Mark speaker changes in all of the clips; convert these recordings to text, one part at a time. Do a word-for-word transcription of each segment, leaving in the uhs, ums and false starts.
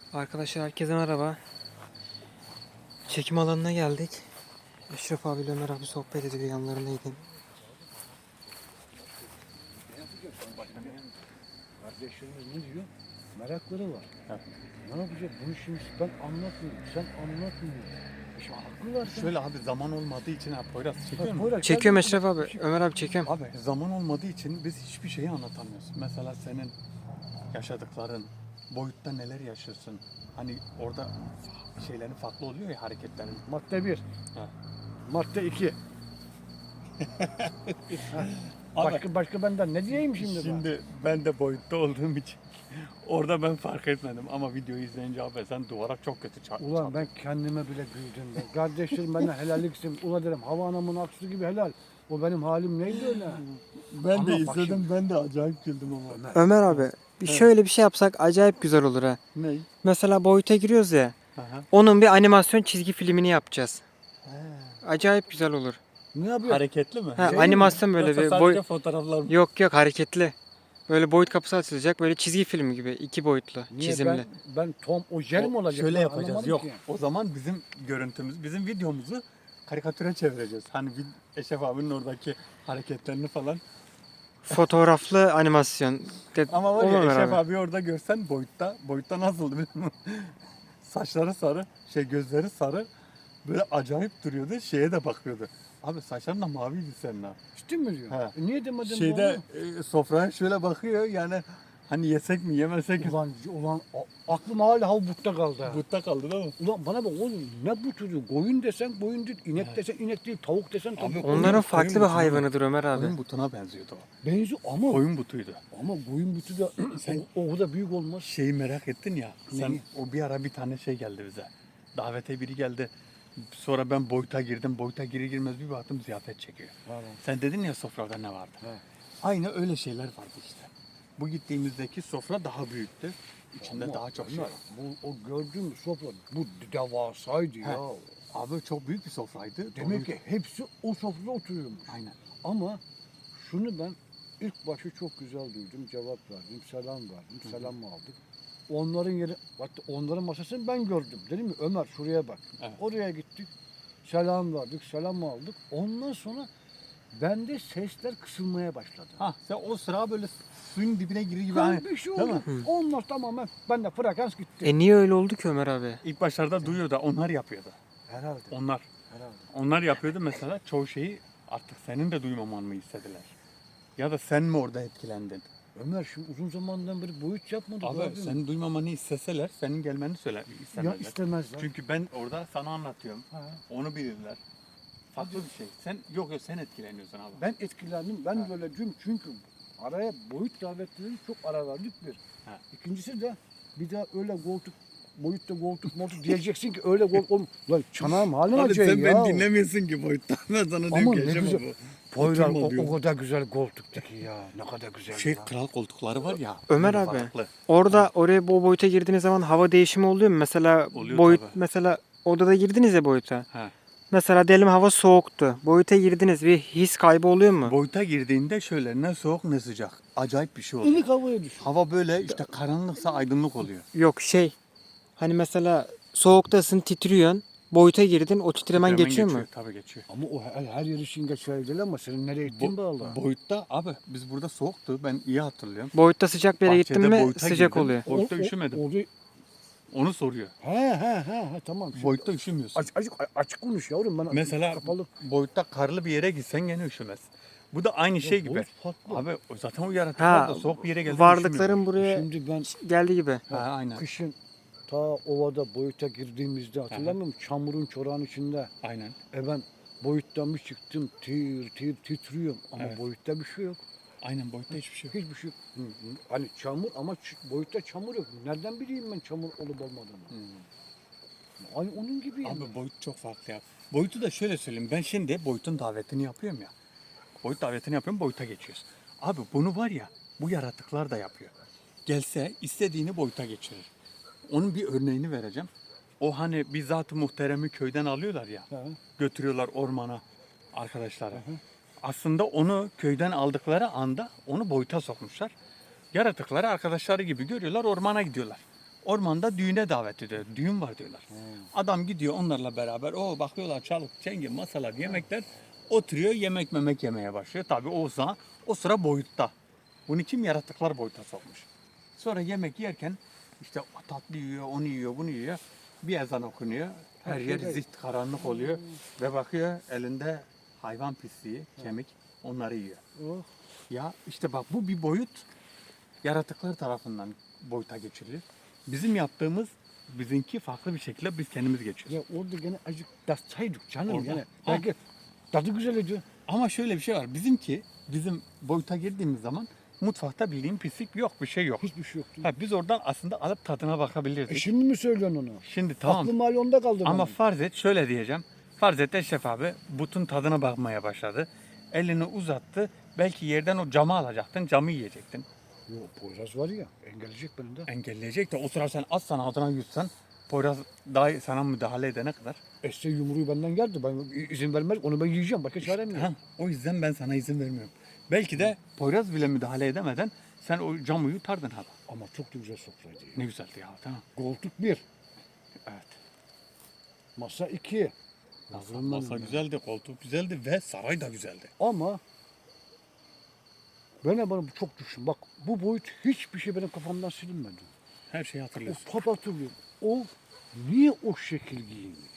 Speaker 1: Arkadaşlar herkese merhaba. Çekim alanına geldik. Eşref abiyle Ömer abi sohbet ediyor, yanlarındaydım.
Speaker 2: Ne yapacak? Kardeşlerimiz ne diyor? Merakları var.
Speaker 3: Evet.
Speaker 2: Ne yapacak? Bunu şimdi ben anlatmıyorum. Sen anlatmıyorsun. İşte haklılar.
Speaker 3: Şöyle abi zaman olmadığı için abi Poyraz çekiyor mu?
Speaker 2: Poyraz,
Speaker 1: Çekiyorum
Speaker 2: gel-
Speaker 1: Eşref abi. Ömer abi çekiyorum.
Speaker 3: Abi zaman olmadığı için biz hiçbir şeyi anlatamıyoruz. Mesela senin yaşadıkların, boyutta neler yaşıyorsun? Hani orada şeylerin farklı oluyor ya, hareketlerin.
Speaker 2: Madde bir.
Speaker 3: Ha.
Speaker 2: Madde iki. başka başka benden ne diyeyim şimdi,
Speaker 3: Şimdi ben de boyutta olduğum için orada ben fark etmedim ama videoyu izleyince abi sen duvara çok kötü çarp.
Speaker 2: ben? Ulan ben kendime bile güldüm ben. Kardeşlerim bana helalliksin. Ulan derim hava anamın aksu gibi helal. O benim halim neydi öyle?
Speaker 3: Ben
Speaker 2: Ama
Speaker 3: de
Speaker 2: bak
Speaker 3: izledim,
Speaker 2: şimdi-
Speaker 3: ben de acayip güldüm ama.
Speaker 2: Ömer.
Speaker 1: Ömer abi bir şöyle bir şey yapsak acayip güzel olur ha.
Speaker 3: Ney?
Speaker 1: Mesela boyuta giriyoruz ya.
Speaker 3: Aha.
Speaker 1: Onun bir animasyon çizgi filmini yapacağız.
Speaker 3: He.
Speaker 1: Acayip güzel olur.
Speaker 2: Ne yapıyor?
Speaker 3: Hareketli mi?
Speaker 1: Ha,
Speaker 2: Şey mi?
Speaker 1: animasyon böyle
Speaker 3: Yoksa
Speaker 1: bir
Speaker 3: sadece
Speaker 1: boy
Speaker 3: fotoğraflar mı?
Speaker 1: Yok yok, hareketli. Böyle boyut kapısı açılacak, böyle çizgi filmi gibi, iki boyutlu,
Speaker 2: Niye
Speaker 1: çizimli.
Speaker 2: ben, ben Tom o jel mi olacak?
Speaker 3: Şöyle
Speaker 2: Ben
Speaker 3: yapacağız.
Speaker 2: anlamadım
Speaker 3: Yok.
Speaker 2: ki.
Speaker 3: O zaman bizim görüntümüz, bizim videomuzu karikatüre çevireceğiz. Hani bir Eşref abinin oradaki hareketlerini falan.
Speaker 1: Fotoğraflı animasyon. De,
Speaker 3: Ama var
Speaker 1: olur
Speaker 3: ya
Speaker 1: Ömer
Speaker 3: Eşref
Speaker 1: abi.
Speaker 3: abi orada görsen boyutta, boyutta nasıldı biliyor musun? Saçları sarı, şey gözleri sarı. Böyle acayip duruyordu. Şeye de bakıyordu. Abi saçların da maviydi senin abi.
Speaker 2: Ciddi mi diyor?
Speaker 3: He.
Speaker 2: E niye demedin
Speaker 3: Şeyde e, sofraya şöyle bakıyor yani hani yesek mi yemesek mi?
Speaker 2: Ulan, ulan a- aklım hala havbutta kaldı. ha.
Speaker 3: Butta kaldı değil mi?
Speaker 2: Ulan bana bak oğlum ne bu çocuğu? Koyun desen koyun değil, inek desen inek değil, tavuk desen tavuk.
Speaker 3: Abi,
Speaker 1: Onların
Speaker 3: Koyun-
Speaker 1: farklı
Speaker 3: koyun
Speaker 1: bir
Speaker 3: butunu-
Speaker 1: hayvanıdır Ömer abi.
Speaker 3: Koyun butuna benziyordu o.
Speaker 2: Benziyor ama
Speaker 3: Koyun butuydu.
Speaker 2: ama koyun butu da
Speaker 3: Sen-
Speaker 2: o, o kadar büyük olmaz.
Speaker 3: Şeyi merak ettin ya. Sen
Speaker 2: Neyi?
Speaker 3: o bir ara bir tane şey geldi bize. Davete biri geldi. Sonra ben boyuta girdim. Boyuta girir girmez bir baktım ziyafet çekiyor.
Speaker 2: Pardon.
Speaker 3: Sen dedin ya sofrada ne vardı?
Speaker 2: He.
Speaker 3: Aynı öyle şeyler vardı işte. Bu gittiğimizdeki sofra daha büyüktü. İçinde
Speaker 2: Ama
Speaker 3: daha çok şey
Speaker 2: Ömer,
Speaker 3: var.
Speaker 2: Bu o gördüğün sofra bu devasaydı
Speaker 3: He.
Speaker 2: ya.
Speaker 3: Abi çok büyük bir sofraydı.
Speaker 2: Demek
Speaker 3: Doluydu.
Speaker 2: ki hepsi o sofrada oturuyormuş.
Speaker 3: Aynen.
Speaker 2: Ama şunu ben ilk başı çok güzel duydum, cevap verdim, selam verdim, selam aldık. Onların yeri, hatta onların masasını ben gördüm. Dedim mi Ömer şuraya bak.
Speaker 3: Evet.
Speaker 2: Oraya gittik, selam verdik, selam aldık. Ondan sonra bende sesler kısılmaya başladı.
Speaker 3: Ha sen o sıra böyle suyun dibine girir gibi.
Speaker 2: Ben
Speaker 3: Hani,
Speaker 2: bir şey
Speaker 3: değil
Speaker 2: oldu.
Speaker 3: mi?
Speaker 2: Ondan tamamen bende frekans gitti.
Speaker 1: E niye öyle oldu ki Ömer abi?
Speaker 3: İlk başlarda duyuyor da onlar yapıyordu.
Speaker 2: Herhalde.
Speaker 3: Onlar.
Speaker 2: Herhalde.
Speaker 3: Onlar yapıyordu mesela çoğu şeyi artık senin de duymaman mı istediler? Ya da sen mi orada etkilendin?
Speaker 2: Ömer şimdi uzun zamandan beri boyut yapmadık.
Speaker 3: Abi
Speaker 2: abi.
Speaker 3: senin duymamanı isteseler senin gelmeni söyler
Speaker 2: Ya
Speaker 3: istemezler.
Speaker 2: istemezler.
Speaker 3: Çünkü ben orada sana anlatıyorum.
Speaker 2: Ha.
Speaker 3: Onu bilirler. Farklı bir şey. Sen yok yok sen etkileniyorsun abi.
Speaker 2: Ben etkilendim. Ben
Speaker 3: Ha.
Speaker 2: böyle dün çünkü araya boyut davetleri çok ara verdik bir.
Speaker 3: Ha.
Speaker 2: İkincisi de bir daha öyle koltuk boyutta koltuk moltuk diyeceksin ki öyle koltuk olm. Lan çanağım haline
Speaker 3: Abi
Speaker 2: acayip
Speaker 3: sen
Speaker 2: ya.
Speaker 3: beni dinlemiyorsun ki boyuttan. Ben sana
Speaker 2: Ama
Speaker 3: diyorum ki
Speaker 2: ne
Speaker 3: Eşref
Speaker 2: güzel.
Speaker 3: abi,
Speaker 2: Poyraz
Speaker 3: oturma
Speaker 2: o,
Speaker 3: diyorum.
Speaker 2: o kadar güzel koltuktu ki ya. Ne kadar güzel.
Speaker 3: Şey
Speaker 2: ya.
Speaker 3: kral koltukları var ya.
Speaker 1: Ömer
Speaker 3: böyle
Speaker 1: abi.
Speaker 3: farklı.
Speaker 1: Orada oraya bu boyuta girdiğiniz zaman hava değişimi oluyor mu? Mesela
Speaker 3: Oluyor
Speaker 1: boyut
Speaker 3: tabii.
Speaker 1: mesela odada girdiniz ya boyuta.
Speaker 3: He.
Speaker 1: Mesela diyelim hava soğuktu. Boyuta girdiniz, bir his kaybı oluyor mu?
Speaker 3: Boyuta girdiğinde şöyle ne soğuk ne sıcak. Acayip bir şey oluyor.
Speaker 2: İlk havaya düş.
Speaker 3: Hava böyle işte karanlıksa aydınlık oluyor.
Speaker 1: Yok şey. Hani mesela soğuktasın, titriyorsun. Boyuta girdin, o titremen
Speaker 3: Hemen
Speaker 1: geçiyor mu?
Speaker 3: Tabii geçiyor.
Speaker 2: Ama o her, her yer için geçerli değil ama senin nereye gittiğin
Speaker 3: Bo-
Speaker 2: bağlı.
Speaker 3: boyutta abi biz burada soğuktu. Ben iyi hatırlıyorum.
Speaker 1: Boyutta sıcak bir yere gittin
Speaker 3: Bahçede
Speaker 1: mi
Speaker 3: boyuta
Speaker 1: sıcak
Speaker 3: girdim.
Speaker 1: oluyor.
Speaker 3: Boyutta
Speaker 2: O- o-
Speaker 3: üşümedim.
Speaker 2: orada-
Speaker 3: Onu soruyor.
Speaker 2: He he he he tamam. Şimdi
Speaker 3: Boyutta üşümüyorsun.
Speaker 2: Aç, açık, açık konuş yavrum. Ben
Speaker 3: Mesela
Speaker 2: kapalı.
Speaker 3: boyutta karlı bir yere gitsen gene üşümez. Bu da aynı şey gibi.
Speaker 2: boyut farklı.
Speaker 3: Abi o zaten o yaratıklar
Speaker 1: Ha,
Speaker 3: da soğuk bir yere geldi.
Speaker 1: varlıkların buraya
Speaker 2: Şimdi ben
Speaker 1: geldiği gibi.
Speaker 3: Ha aynen.
Speaker 2: kışın ta ovada boyuta girdiğimizde hatırlamıyor musun? Çamurun çorağın içinde.
Speaker 3: Aynen.
Speaker 2: E ben boyuttan bir çıktım tir tir titriyorum ama
Speaker 3: Evet.
Speaker 2: boyutta bir şey yok.
Speaker 3: Aynen boyutta hiçbir şey yok.
Speaker 2: Hiçbir şey yok. Hı, hı. Hani çamur ama ç- boyutta çamur yok. Nereden bileyim ben çamur olup olmadığını? Hani onun gibi yani.
Speaker 3: Abi boyut çok farklı ya. Boyutu da şöyle söyleyeyim. Ben şimdi boyutun davetini yapıyorum ya. Boyut davetini yapıyorum, boyuta geçiyoruz. Abi bunu var ya, bu yaratıklar da yapıyor. Gelse istediğini boyuta geçirir. Onun bir örneğini vereceğim. O hani bir zat-ı muhteremi köyden alıyorlar ya.
Speaker 2: Ha.
Speaker 3: Götürüyorlar ormana arkadaşlara. Aslında onu köyden aldıkları anda onu boyuta sokmuşlar. Yaratıkları arkadaşları gibi görüyorlar, ormana gidiyorlar. ormanda düğüne davet ediyor. Düğün var diyorlar. Adam gidiyor onlarla beraber. O bakıyorlar çalık, çengi, masalar, yemekler. Oturuyor yemek memek yemeye başlıyor. Tabii o sıra, o sıra boyutta. Bunu kim yaratıklar boyuta sokmuş. Sonra yemek yerken işte o tatlı yiyor, onu yiyor, bunu yiyor. Bir ezan okunuyor. Her yer zift karanlık oluyor. Ve bakıyor elinde hayvan pisliği, kemik onları yiyor.
Speaker 2: Oh.
Speaker 3: Ya işte bak bu bir boyut yaratıklar tarafından boyuta geçirilir. Bizim yaptığımız bizimki farklı bir şekilde biz kendimiz geçiyoruz.
Speaker 2: Ya orada gene acık tatsaydık canım
Speaker 3: Orada.
Speaker 2: yani.
Speaker 3: Ha.
Speaker 2: Belki tadı güzel ediyor.
Speaker 3: Ama şöyle bir şey var. Bizimki bizim boyuta girdiğimiz zaman mutfakta bildiğin pislik yok, bir şey yok.
Speaker 2: Hiçbir şey yoktu.
Speaker 3: Ha, biz oradan aslında alıp tadına
Speaker 2: E
Speaker 3: bakabilirdik.
Speaker 2: şimdi mi söylüyorsun onu?
Speaker 3: Şimdi tamam.
Speaker 2: Aklım hali onda kaldı
Speaker 3: Ama
Speaker 2: benim.
Speaker 3: farz et şöyle diyeceğim. Farz et Eşref abi butun tadına bakmaya başladı. Elini uzattı. Belki yerden o camı alacaktın, camı yiyecektin.
Speaker 2: Yok Poyraz var ya engelleyecek beni de.
Speaker 3: Engelleyecek de o sıra sen az sana adına yutsan Poyraz daha sana müdahale edene kadar.
Speaker 2: Esse yumruğu benden geldi. Ben izin vermez. Onu ben yiyeceğim. Başka çarem yok.
Speaker 3: Ha, o yüzden ben sana izin vermiyorum. Belki de Poyraz bile müdahale edemeden sen o camı yutardın abi.
Speaker 2: Ama çok da güzel sofraydı. Ya.
Speaker 3: Ne güzeldi ya tamam.
Speaker 2: Koltuk bir.
Speaker 3: Evet.
Speaker 2: Masa iki.
Speaker 3: Masa,
Speaker 2: Yavrum
Speaker 3: masa
Speaker 2: benim ya.
Speaker 3: güzeldi, koltuk güzeldi ve saray da güzeldi.
Speaker 2: Ama ben bana çok düşün. Bak bu boyut hiçbir şey benim kafamdan silinmedi.
Speaker 3: Her şeyi
Speaker 2: O
Speaker 3: hatırlıyorsun.
Speaker 2: pap hatırlıyorum. O niye o şekil giyinmişti?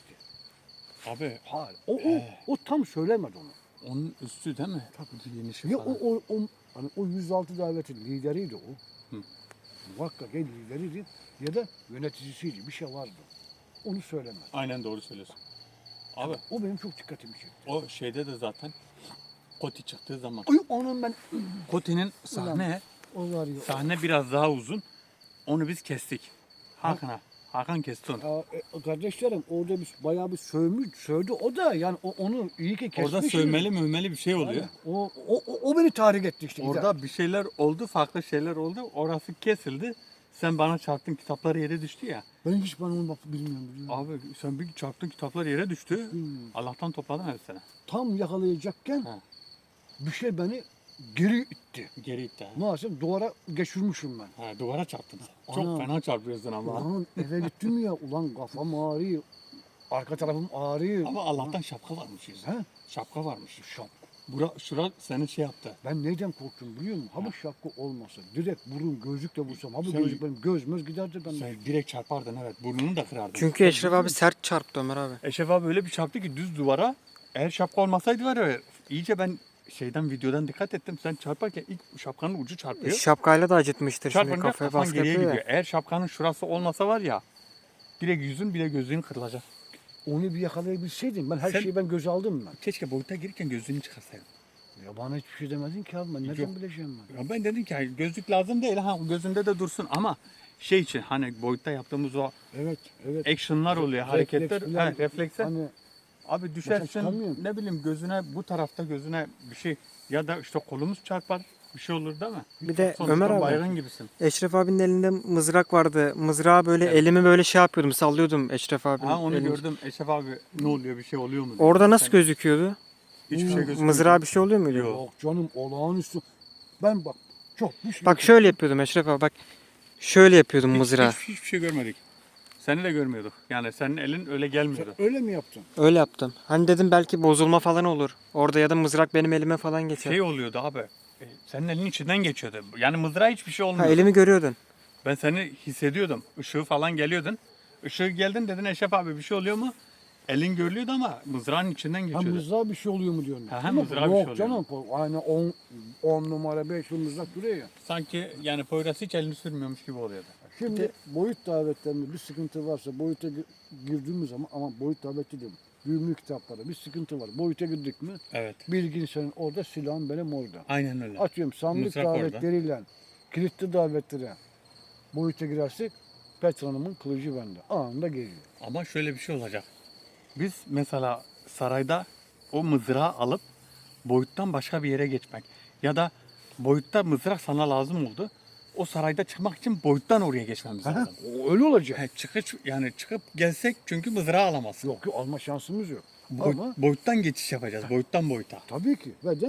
Speaker 3: Abi
Speaker 2: Hayır. O, o, o tam söylemedi onu.
Speaker 3: onun üstü değil mi? Tabii yeni şey
Speaker 2: Ya
Speaker 3: falan.
Speaker 2: o, o, o, hani o yüz altı davetin lideriydi o.
Speaker 3: Hı.
Speaker 2: Muhakkak ya lideriydi ya da yöneticisiydi. Bir şey vardı. Onu söylemedi.
Speaker 3: Aynen doğru söylüyorsun. Abi
Speaker 2: O benim çok dikkatimi çekti.
Speaker 3: o şeyde de zaten Koti çıktığı zaman.
Speaker 2: Ay onun ben
Speaker 3: Koti'nin sahne
Speaker 2: o var ya.
Speaker 3: sahne biraz daha uzun. Onu biz kestik. Hakan'a. Hakan kesti onu.
Speaker 2: Ya, e, kardeşlerim orada bir, bayağı bir sövmüş, sövdü o da yani o, onu iyi ki kesmiş.
Speaker 3: Orada sövmeli mövmeli bir şey oluyor.
Speaker 2: O, o, o, o beni tahrik etti işte.
Speaker 3: Orada bir şeyler oldu, farklı şeyler oldu. Orası kesildi. Sen bana çarptın, kitaplar yere düştü ya.
Speaker 2: Ben hiç ben onu bak bilmiyorum. biliyorum.
Speaker 3: Abi sen bir çarptın, kitaplar yere düştü.
Speaker 2: Bilmiyorum.
Speaker 3: Allah'tan topladım hepsini.
Speaker 2: Tam yakalayacakken
Speaker 3: Ha.
Speaker 2: bir şey beni geri itti.
Speaker 3: Geri itti. ha.
Speaker 2: Maalesef duvara geçirmişim ben.
Speaker 3: Ha, duvara çarptın sen. Çok
Speaker 2: Ana.
Speaker 3: fena çarpıyorsun ama.
Speaker 2: Ulan eve gittim ya ulan kafam ağrıyor. Arka tarafım ağrıyor.
Speaker 3: Ama Allah'tan şapka varmış yüzünde.
Speaker 2: He?
Speaker 3: Şapka varmış.
Speaker 2: Şap.
Speaker 3: Bura, şura seni şey yaptı.
Speaker 2: Ben neyden korktum biliyor musun? Ha bu şapka olmasa direkt burun gözlükle vursam. Ha bu
Speaker 3: Sen-
Speaker 2: gözlük benim gözümüz giderdi ben.
Speaker 3: Sen direkt çarpardın evet. Burnunu da kırardın.
Speaker 1: Çünkü Eşref abi sert çarptı Ömer abi.
Speaker 3: Eşref abi öyle bir çarptı ki düz duvara. Eğer şapka olmasaydı var ya iyice ben şeyden videodan dikkat ettim. Sen çarparken ilk şapkanın ucu çarpıyor.
Speaker 1: Şapkayla da acıtmıştır şimdi
Speaker 3: Çarpınca
Speaker 1: kafaya
Speaker 3: kafan
Speaker 1: baskı
Speaker 3: geriye
Speaker 1: yapıyor
Speaker 3: gidiyor.
Speaker 1: ya.
Speaker 3: Eğer şapkanın şurası olmasa var ya direkt yüzün bile gözlüğün kırılacak.
Speaker 2: Onu bir yakalayabilseydim ben her
Speaker 3: Sen-
Speaker 2: şeyi ben göze aldım ben.
Speaker 3: Keşke boyuta girirken gözlüğünü çıkarsaydın.
Speaker 2: Ya bana hiçbir şey demedin ki abi ben nereden
Speaker 3: Yok.
Speaker 2: bileceğim ben.
Speaker 3: Ya ben dedim ki hayır, gözlük lazım değil ha gözünde de dursun ama şey için hani boyutta yaptığımız o
Speaker 2: Evet evet.
Speaker 3: action'lar oluyor hareketler
Speaker 2: Refleks falan.
Speaker 3: he, refleksler.
Speaker 2: Hani
Speaker 3: Abi düşersin
Speaker 2: çıkamıyorum.
Speaker 3: ne bileyim gözüne bu tarafta gözüne bir şey ya da işte kolumuz çarpar bir şey olur değil mi?
Speaker 1: Bir de
Speaker 3: Sonuçta
Speaker 1: Ömer abi,
Speaker 3: baygın gibisin.
Speaker 1: Eşref abinin elinde mızrak vardı. Mızrağı böyle
Speaker 3: Evet.
Speaker 1: elimi böyle şey yapıyordum, sallıyordum Eşref abinin
Speaker 3: Ha onu
Speaker 1: elini.
Speaker 3: gördüm Eşref abi ne oluyor bir şey oluyor mu? diye.
Speaker 1: Orada nasıl
Speaker 3: Sen-
Speaker 1: gözüküyordu?
Speaker 3: Hiçbir şey gözükmüyor.
Speaker 1: Mızrağa bir şey oluyor muydu?
Speaker 3: Yok.
Speaker 2: yok canım olağanüstü. Ben bak çok bir şey.
Speaker 1: Bak şöyle yapıyordum Eşref abi bak. Şöyle yapıyordum
Speaker 3: Hiç,
Speaker 1: mızrağı.
Speaker 3: hiç, hiçbir şey görmedik. Seni de görmüyorduk. Yani senin elin öyle gelmiyordu.
Speaker 2: Öyle mi yaptın?
Speaker 1: Öyle yaptım. Hani dedim belki bozulma falan olur. Orada ya da mızrak benim elime falan geçer.
Speaker 3: Şey oluyordu abi. e, Senin elin içinden geçiyordu. Yani mızrağa hiçbir şey
Speaker 1: Ha
Speaker 3: olmuyordu.
Speaker 1: elimi görüyordun.
Speaker 3: Ben seni hissediyordum. Işığı falan geliyordun. Işığı geldin dedin Eşref abi bir şey oluyor mu? Elin görülüyordu ama mızrağın içinden
Speaker 2: Ha
Speaker 3: geçiyordu.
Speaker 2: mızrağa bir şey oluyor mu diyorsun?
Speaker 3: Ha, ha,
Speaker 2: Ama
Speaker 3: mızrağa bir şey
Speaker 2: yok
Speaker 3: oluyor
Speaker 2: canım. Aynı on, on numara beş mızrak duruyor ya.
Speaker 3: Sanki yani Poyraz hiç elini sürmüyormuş gibi oluyordu.
Speaker 2: Şimdi boyut davetlerinde bir sıkıntı varsa boyuta gi- girdiğimiz zaman ama boyut daveti değil. Büyümlü kitaplarda bir sıkıntı var. Boyuta girdik mi
Speaker 3: Evet.
Speaker 2: bilgin senin orada silahın benim orada.
Speaker 3: Aynen öyle.
Speaker 2: Atıyorum sandık
Speaker 3: Mızrak orada.
Speaker 2: davetleriyle kilitli davetlere boyuta girersek Petra'nın kılıcı bende. Anında geliyor.
Speaker 3: Ama şöyle bir şey olacak. Biz mesela sarayda o mızrağı alıp boyuttan başka bir yere geçmek ya da boyutta mızrak sana lazım oldu. O sarayda çıkmak için boyuttan oraya geçmemiz
Speaker 2: Aha,
Speaker 3: lazım.
Speaker 2: o öyle olacak.
Speaker 3: He, çıkış yani çıkıp gelsek çünkü mızrağı alamazsın.
Speaker 2: Yok yok alma şansımız yok.
Speaker 3: Boy-
Speaker 2: Ama
Speaker 3: boyuttan geçiş yapacağız. Boyuttan boyuta.
Speaker 2: tabii ki ve de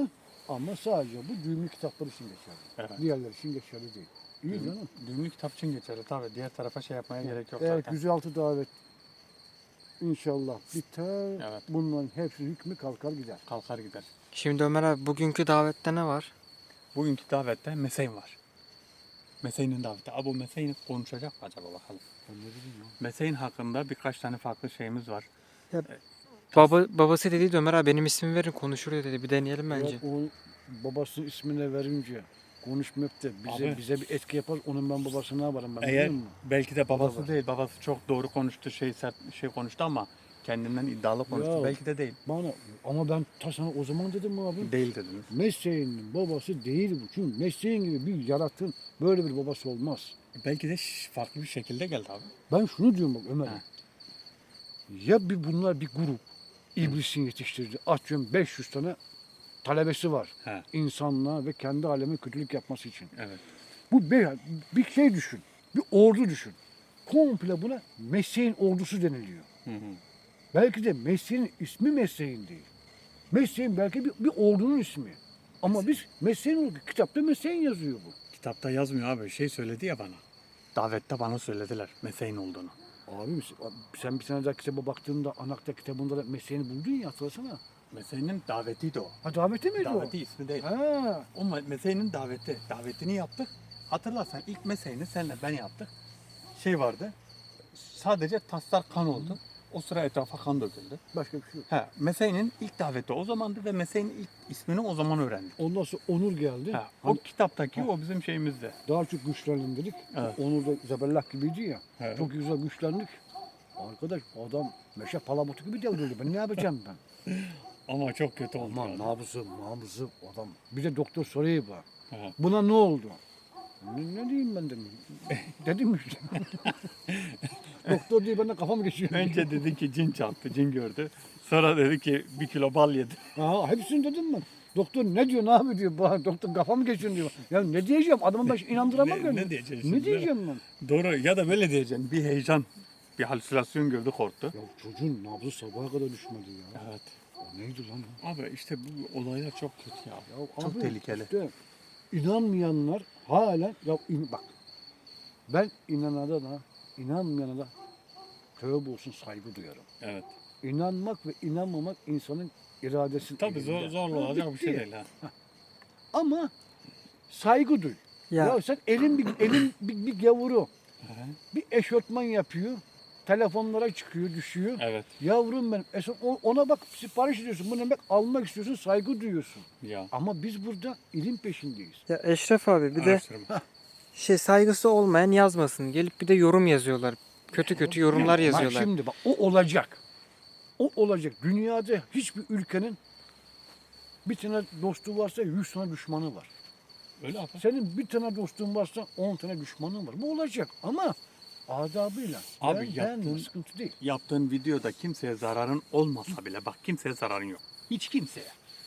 Speaker 2: Ama sadece bu düğümlü kitaplar için geçerli.
Speaker 3: Evet.
Speaker 2: Diğerler için geçerli değil. İyi canım.
Speaker 3: Düğümlü kitap için geçerli tabii. Diğer tarafa şey yapmaya gerek yok
Speaker 2: Eğer
Speaker 3: zaten.
Speaker 2: yüz altı davet inşallah biter.
Speaker 3: Evet.
Speaker 2: Bunların hepsi hükmü kalkar gider.
Speaker 3: Kalkar gider.
Speaker 1: Şimdi Ömer abi bugünkü davette ne var?
Speaker 3: Bugünkü davette Meseyn var. Meseyn'in daveti. Abi bu Meseyn konuşacak mı acaba bakalım.
Speaker 2: Ben ne bileyim ya.
Speaker 3: Meseyn hakkında birkaç tane farklı şeyimiz var.
Speaker 1: Baba, babası dedi Ömer abi benim ismimi verin konuşur dedi. Bir deneyelim bence.
Speaker 2: Ya o babasının ismine verince konuşmayıp da bize
Speaker 3: Abi.
Speaker 2: bize bir etki yapar. Onun ben babasına yaparım ben
Speaker 3: Eğer
Speaker 2: biliyor musun?
Speaker 3: belki de babası
Speaker 2: var.
Speaker 3: değil. Babası çok doğru konuştu, şey sert şey konuştu ama kendinden iddialı konuştu.
Speaker 2: Ya.
Speaker 3: Belki de değil.
Speaker 2: Bana ama ben ta sana o zaman dedim abi.
Speaker 3: Değil dediniz.
Speaker 2: Mesleğinin babası değil bu. Çünkü mesleğin gibi bir yaratığın böyle bir babası olmaz.
Speaker 3: Belki de ş- farklı bir şekilde geldi abi.
Speaker 2: Ben şunu diyorum bak Ömer.
Speaker 3: Ha.
Speaker 2: Ya bir bunlar bir grup iblisin yetiştirdi. Atıyorum beş yüz tane talebesi var.
Speaker 3: He.
Speaker 2: İnsanlığa ve kendi aleme kötülük yapması için.
Speaker 3: Evet.
Speaker 2: Bu bir, bir şey düşün. Bir ordu düşün. Komple buna mesleğin ordusu deniliyor.
Speaker 3: Hı hı.
Speaker 2: Belki de mesleğin ismi mesleğin değil. Mesleğin belki bir, bir ordunun ismi. Ama biz mesleğin, kitapta mesleğin yazıyor bu.
Speaker 3: Kitapta yazmıyor abi. Şey söyledi ya bana. Davette bana söylediler Meseyn olduğunu.
Speaker 2: Abi sen bir sene daha kitaba baktığında Anakta kitabında da mesleğini buldun ya hatırlasana.
Speaker 3: Meseyn'in davetiydi o.
Speaker 2: Ha daveti miydi
Speaker 3: Daveti ismi değil.
Speaker 2: o? Ha.
Speaker 3: O me- Meseyn'in daveti. Davetini yaptık. Hatırlarsan ilk Meseyn'i senle ben yaptık. Şey vardı. Sadece taslar kan oldu. O sıra etrafa kan döküldü.
Speaker 2: Başka bir şey yok.
Speaker 3: Ha, Meseyn'in ilk daveti o zamandı ve Meseyn'in ilk ismini o zaman öğrendik.
Speaker 2: Ondan sonra Onur geldi.
Speaker 3: Ha, o
Speaker 2: Hani
Speaker 3: kitaptaki
Speaker 2: Ha.
Speaker 3: o bizim şeyimizde.
Speaker 2: daha çok güçlendim dedik.
Speaker 3: Evet.
Speaker 2: Onur da Zebellah gibiydi ya.
Speaker 3: Evet.
Speaker 2: Çok güzel güçlendik. Arkadaş adam meşe palamutu gibi devrildi. Ben ne yapacağım ben?
Speaker 3: Ama çok kötü oldu.
Speaker 2: Aman
Speaker 3: yani.
Speaker 2: nabzı, nabzı adam. Bir de doktor soruyor bana.
Speaker 3: Ha.
Speaker 2: Buna ne oldu? Ne, ne diyeyim ben dedim. Dedim işte. Doktor diye bana kafam geçiyor.
Speaker 3: Önce dedi ki cin çarptı, cin gördü. Sonra dedi ki bir kilo bal yedi.
Speaker 2: Ha, hepsini dedim ben. Doktor ne diyor, ne yapıyor diyor. Bana, doktor kafam geçiyor diyor. Ya ne diyeceğim? Adamı ben inandıramam
Speaker 3: Ne-
Speaker 2: ben.
Speaker 3: ne diyeceksin
Speaker 2: Ne
Speaker 3: şimdi?
Speaker 2: diyeceğim ben?
Speaker 3: Doğru ya da böyle diyeceksin. Bir heyecan, bir halüsinasyon gördü korktu.
Speaker 2: Ya çocuğun nabzı sabaha kadar düşmedi ya.
Speaker 3: Evet.
Speaker 2: O neydi lan? o?
Speaker 3: Abi işte bu olaylar çok kötü ya.
Speaker 2: Ya
Speaker 3: Çok
Speaker 2: abi,
Speaker 3: tehlikeli.
Speaker 2: Işte, inanmayanlar hala ya in- bak ben inanana da inanmayana da tövbe olsun saygı duyarım.
Speaker 3: Evet.
Speaker 2: İnanmak ve inanmamak insanın iradesi.
Speaker 3: Tabii zor,
Speaker 2: elinde.
Speaker 3: zorla
Speaker 2: Ha,
Speaker 3: olacak bir
Speaker 2: bitti.
Speaker 3: şey değil ha.
Speaker 2: Ama saygı duy. Ya,
Speaker 1: Ya
Speaker 2: sen elin bir elin bir, bir gavuru
Speaker 3: Hı hı.
Speaker 2: bir eşofman yapıyor. Telefonlara çıkıyor, düşüyor.
Speaker 3: Evet.
Speaker 2: Yavrum ben es- o- ona bak sipariş ediyorsun. Bunu demek almak istiyorsun, saygı duyuyorsun.
Speaker 3: Ya.
Speaker 2: Ama biz burada ilim peşindeyiz.
Speaker 1: ya Eşref abi bir de
Speaker 3: Araştırma.
Speaker 1: şey saygısı olmayan yazmasın. Gelip bir de yorum yazıyorlar. Kötü kötü yorumlar
Speaker 2: Bak
Speaker 1: yazıyorlar.
Speaker 2: şimdi bak o olacak. O olacak. Dünyada hiçbir ülkenin bir tane dostu varsa yüz tane düşmanı var.
Speaker 3: Öyle abi.
Speaker 2: Senin bir tane dostun varsa on tane düşmanın var. Bu olacak ama adabıyla.
Speaker 3: Abi
Speaker 2: Ben- ben
Speaker 3: yaptığın-
Speaker 2: sıkıntı değil.
Speaker 3: Yaptığın videoda kimseye zararın olmasa bile bak kimseye zararın yok. Hiç kimseye.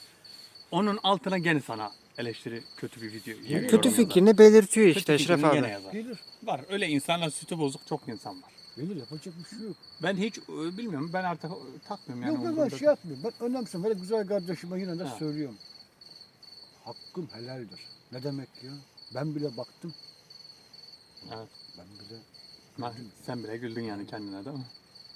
Speaker 3: Onun altına gene sana eleştiri kötü bir video.
Speaker 2: Kötü
Speaker 1: Kötü
Speaker 3: yorum yazar.
Speaker 1: fikrini belirtiyor
Speaker 3: Kötü
Speaker 1: işte Eşref
Speaker 3: fikrini
Speaker 1: abi.
Speaker 3: gene yazar.
Speaker 2: Gelir.
Speaker 3: Var öyle insanlar sütü bozuk çok insan var.
Speaker 2: Gelir yapacak bir şey yok.
Speaker 3: Ben hiç e, bilmiyorum ben artık e, takmıyorum yani.
Speaker 2: yok ben
Speaker 3: umurumda
Speaker 2: şey yapmıyorum. Ben önemsiyorum. Böyle güzel kardeşime yine de
Speaker 3: Ha.
Speaker 2: söylüyorum. Hakkım helaldir. Ne demek ya? Ben bile baktım.
Speaker 3: Evet.
Speaker 2: Ben bile
Speaker 3: Ha, sen bile güldün yani kendine değil mi?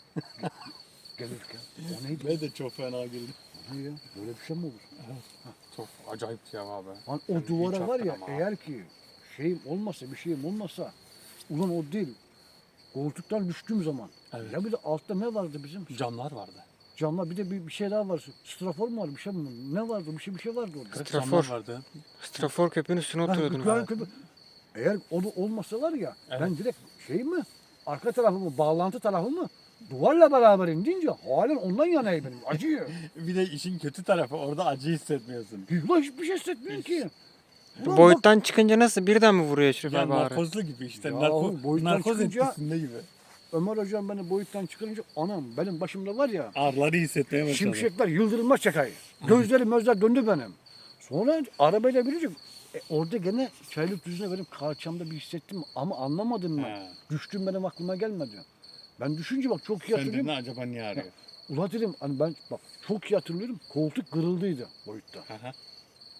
Speaker 2: gelirken. O neydi?
Speaker 3: Ben de çok fena güldüm.
Speaker 2: O ne ya? Böyle bir şey mi olur?
Speaker 3: Çok acayip ya abi.
Speaker 2: Lan
Speaker 3: Sen
Speaker 2: o
Speaker 3: hiç
Speaker 2: duvara var ya
Speaker 3: yaptın ama.
Speaker 2: eğer ki şeyim olmasa bir şeyim olmasa ulan o değil. Koltuktan düştüğüm zaman.
Speaker 3: Evet.
Speaker 2: Ya bir de altta ne vardı bizim?
Speaker 3: Camlar vardı.
Speaker 2: Camlar bir de bir, bir şey daha var. Strafor mu var? Bir şey mi? Ne vardı? Bir şey bir şey vardı orada.
Speaker 3: Kırık
Speaker 1: Strafor.
Speaker 3: camlar vardı.
Speaker 1: Strafor köpüğün üstüne
Speaker 2: Ha,
Speaker 1: oturuyordun
Speaker 2: yukarı
Speaker 1: abi.
Speaker 2: köpü- Eğer o da olmasa var ya
Speaker 3: Evet.
Speaker 2: ben direkt şey mi? Arka tarafımı, bağlantı tarafımı duvarla beraber indince halen ondan yanayım benim. Acıyor.
Speaker 3: Bir de işin kötü tarafı orada acı hissetmiyorsun.
Speaker 2: Ulan hiçbir şey hissetmiyorum ki. Ulan bak-
Speaker 1: Boyuttan çıkınca nasıl birden mi vuruyor Eşref
Speaker 3: Ya
Speaker 1: abi ağrı?
Speaker 3: narkozlu gibi işte.
Speaker 2: Ya
Speaker 3: narko,
Speaker 2: oğlum, boyuttan
Speaker 3: narkoz
Speaker 2: çıkınca-
Speaker 3: etkisinde gibi.
Speaker 2: Ömer hocam beni boyuttan çıkarınca anam benim başımda var ya
Speaker 3: Ağrıları hissetmeye başladı.
Speaker 2: şimşekler yıldırımlar çakayı. Gözlerim gözler döndü benim. Sonra arabayla birince e, orada gene çaylık düzüne benim kalçamda bir hissettim ama anlamadım ben.
Speaker 3: He.
Speaker 2: Düştüm benim aklıma gelmedi. Ben düşünce bak çok iyi
Speaker 3: Sen dedin
Speaker 2: hatırlıyorum.
Speaker 3: acaba niye ağrıyor?
Speaker 2: Ula dedim hani ben bak çok iyi hatırlıyorum koltuk kırıldıydı boyutta.
Speaker 3: Aha.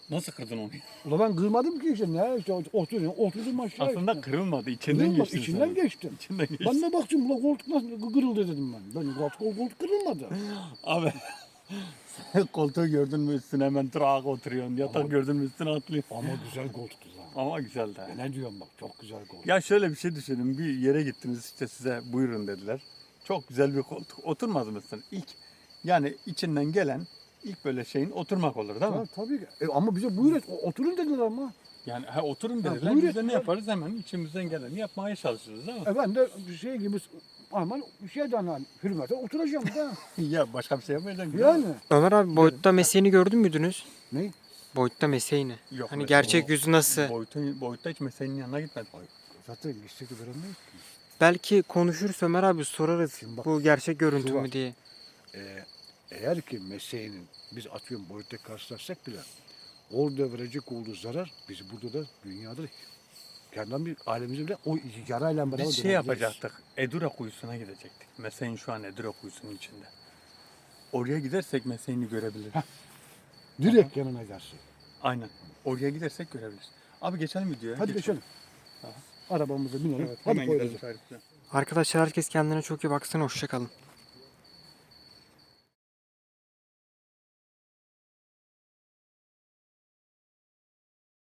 Speaker 3: Nasıl kırdın onu?
Speaker 2: Ula ben kırmadım ki işte ne işte oturdum, oturdum aşağı
Speaker 3: Aslında
Speaker 2: işte.
Speaker 3: kırılmadı. İçinden
Speaker 2: Kırılmadı,
Speaker 3: geçti.
Speaker 2: içinden geçtim.
Speaker 3: İçinden geçti.
Speaker 2: Ben de baktım ula koltuk nasıl kırıldı dedim ben. Ben koltuk, koltuk kırılmadı.
Speaker 3: Abi sen koltuğu gördün mü üstüne hemen trak oturuyorsun. Yatak
Speaker 2: Ama-
Speaker 3: gördün mü üstüne atlıyorsun.
Speaker 2: Ama güzel koltuktu lan.
Speaker 3: Ama güzel de.
Speaker 2: Ne diyorum bak çok güzel koltuk.
Speaker 3: Ya şöyle bir şey düşünün. Bir yere gittiniz işte size buyurun dediler. Çok güzel bir koltuk. Oturmaz mısın? İlk yani içinden gelen ilk böyle şeyin oturmak olur değil mi?
Speaker 2: Ha, tabii ki. E, ama bize buyur et, o- oturun dediler ama.
Speaker 3: Yani ha, oturun
Speaker 2: Ha,
Speaker 3: dediler.
Speaker 2: buyur
Speaker 3: Biz de ne
Speaker 2: et.
Speaker 3: yaparız? Hemen içimizden geleni yapmaya çalışırız değil mi?
Speaker 2: E ben de şey gibi aman şeyden hani hürmete oturacağım da.
Speaker 3: Ya başka bir şey yapmayacaksın.
Speaker 2: Yani.
Speaker 1: Ömer abi boyutta mesleğini gördün müydünüz?
Speaker 2: Ne?
Speaker 1: Boyutta mesleğini.
Speaker 3: Yok,
Speaker 1: Hani
Speaker 3: mesela
Speaker 1: gerçek
Speaker 3: o
Speaker 1: yüzü nasıl?
Speaker 3: Boyutun, boyutta hiç meselenin yanına gitmedi.
Speaker 2: Zaten gitsek de veremeyiz ki.
Speaker 1: Belki konuşuruz Ömer abi sorarız.
Speaker 2: Şimdi bak,
Speaker 1: Bu gerçek görüntü
Speaker 2: şu
Speaker 1: mü
Speaker 2: var.
Speaker 1: diye.
Speaker 2: Ee, eğer ki mesleğinin biz atıyorum boyutta karşılaşsak bile orada verecek olduğu zarar bizi burada da dünyada kendinden bir alemimize bile o yarayla beraber
Speaker 3: Biz şey
Speaker 2: dönebiliriz.
Speaker 3: yapacaktık. Edura kuyusuna gidecektik. Mesleğin şu an Edura kuyusunun içinde. Oraya gidersek mesleğini görebiliriz.
Speaker 2: Direkt yanına gelsin.
Speaker 3: Aynen. Oraya gidersek görebiliriz. Abi geçelim videoya.
Speaker 2: Hadi
Speaker 3: Geçelim.
Speaker 2: geçelim. Arabamıza binelim.
Speaker 3: Evet,
Speaker 2: Hadi
Speaker 3: hemen
Speaker 2: koyalım.
Speaker 3: gidelim. Tarifle.
Speaker 1: Arkadaşlar herkes kendine çok iyi baksın. Hoşça kalın.